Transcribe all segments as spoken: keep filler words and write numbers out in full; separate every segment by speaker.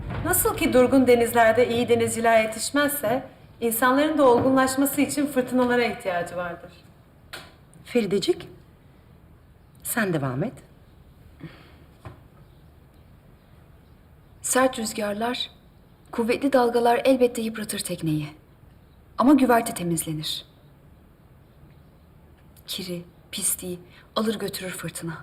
Speaker 1: Nasıl ki durgun denizlerde iyi denizciler yetişmezse, insanların da olgunlaşması için fırtınalara ihtiyacı vardır.
Speaker 2: Feridecik, sen devam et.
Speaker 3: Sert rüzgarlar, kuvvetli dalgalar elbette yıpratır tekneyi. Ama güverte temizlenir. Kiri, pisliği alır götürür fırtına.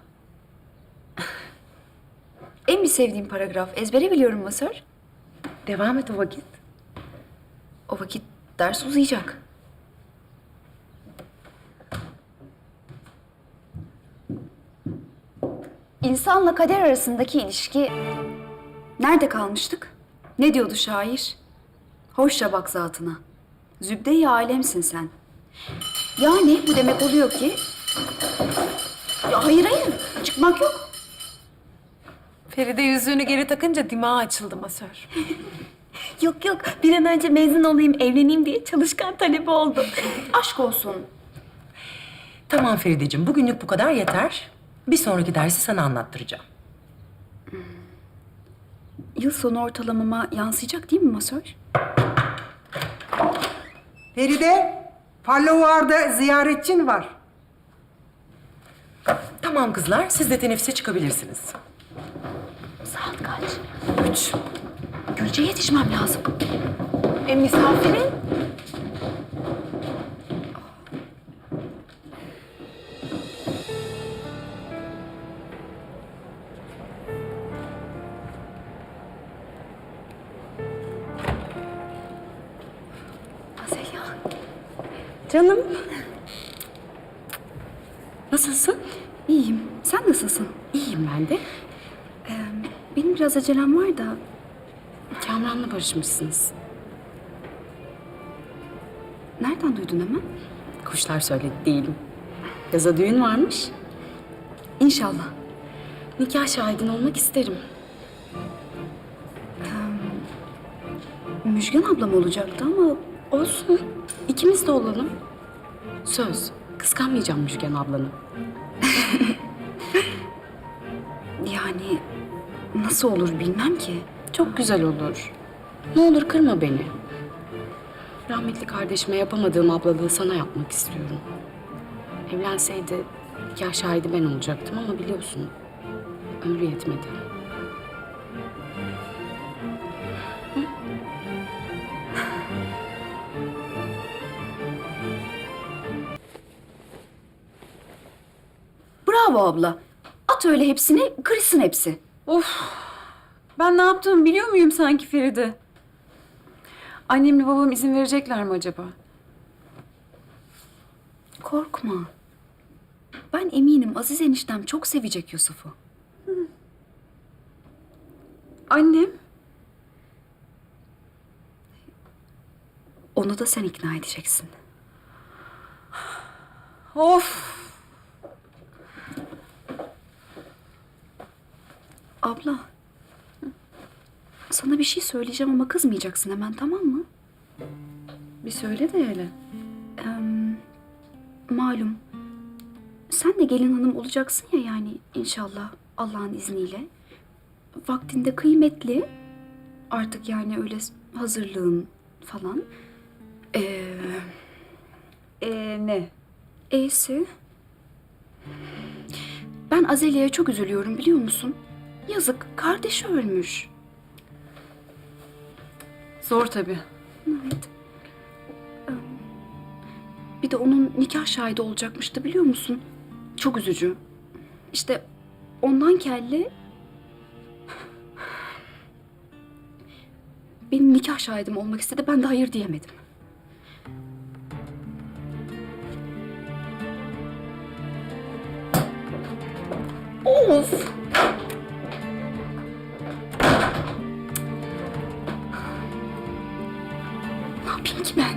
Speaker 3: En bir sevdiğim paragraf. Ezbere biliyorum masör.
Speaker 2: Devam et o vakit.
Speaker 3: O vakit ders uzayacak. İnsanla kader arasındaki ilişki... Nerede kalmıştık? Ne diyordu şair? Hoşça bak zatına. Zübde-i alemsin sen. Yani bu demek oluyor ki... Ya hayır hayır, çıkmak yok.
Speaker 1: Feride yüzüğünü geri takınca dimağı açıldı masör.
Speaker 3: Yok yok, bir an önce mezun olayım, evleneyim diye çalışkan talebi oldu. Aşk olsun.
Speaker 2: Tamam Ferideciğim, bugünlük bu kadar yeter. Bir sonraki dersi sana anlattıracağım.
Speaker 3: Yıl sonu ortalamama yansıyacak değil mi masör?
Speaker 4: Feride, Fallovar'da ziyaretçin var.
Speaker 2: Tamam kızlar, siz de teneffüse çıkabilirsiniz.
Speaker 3: Saat kaç? Üç. Gülce'ye yetişmem lazım.
Speaker 1: E misafirin?
Speaker 3: Azalya.
Speaker 2: Canım. Nasılsın?
Speaker 3: İyiyim. Sen nasılsın?
Speaker 2: İyiyim ben de.
Speaker 3: Ee, benim biraz acelem var da...
Speaker 2: Kamran'la barışmışsınız.
Speaker 3: Nereden duydun hemen?
Speaker 2: Kuşlar söyledi değilim. Yaza düğün varmış.
Speaker 3: İnşallah.
Speaker 2: Nikah şahidin olmak isterim.
Speaker 3: Müjgan ablam olacaktı ama...
Speaker 2: Olsun. İkimiz de olalım. Söz. Kıskanmayacağım Müjgan ablanı.
Speaker 3: Yani nasıl olur bilmem ki.
Speaker 2: Çok güzel olur. Ne olur kırma beni. Rahmetli kardeşime yapamadığım ablalığı sana yapmak istiyorum. Evlenseydi nikah şahidi ben olacaktım ama biliyorsun ömrü yetmedi.
Speaker 3: Bravo abla. At öyle hepsini, kırsın hepsi.
Speaker 5: Ben ne yaptığımı biliyor muyum sanki Feride? Annemle babam izin verecekler mi acaba?
Speaker 3: Korkma. Ben eminim Aziz eniştem çok sevecek Yusuf'u.
Speaker 5: Annem?
Speaker 3: Onu da sen ikna edeceksin.
Speaker 5: Of!
Speaker 3: Abla. Sana bir şey söyleyeceğim ama kızmayacaksın hemen, tamam mı?
Speaker 5: Bir söyle de hele.
Speaker 3: Ee, malum. Sen de gelin hanım olacaksın ya, yani inşallah Allah'ın izniyle. Vaktinde kıymetli. Artık yani öyle hazırlığın falan. Ee,
Speaker 5: Ee, ne?
Speaker 3: E'si. Ben Azelya'ya çok üzülüyorum, biliyor musun? Yazık, kardeşi ölmüş.
Speaker 5: Zor tabii.
Speaker 3: Evet. Ee, Bir de onun nikah şahidi olacakmıştı, biliyor musun? Çok üzücü. İşte ondan kelle... Benim nikah şahidim olmak istedi, ben de hayır diyemedim. Of! Ne yapayım ki ben?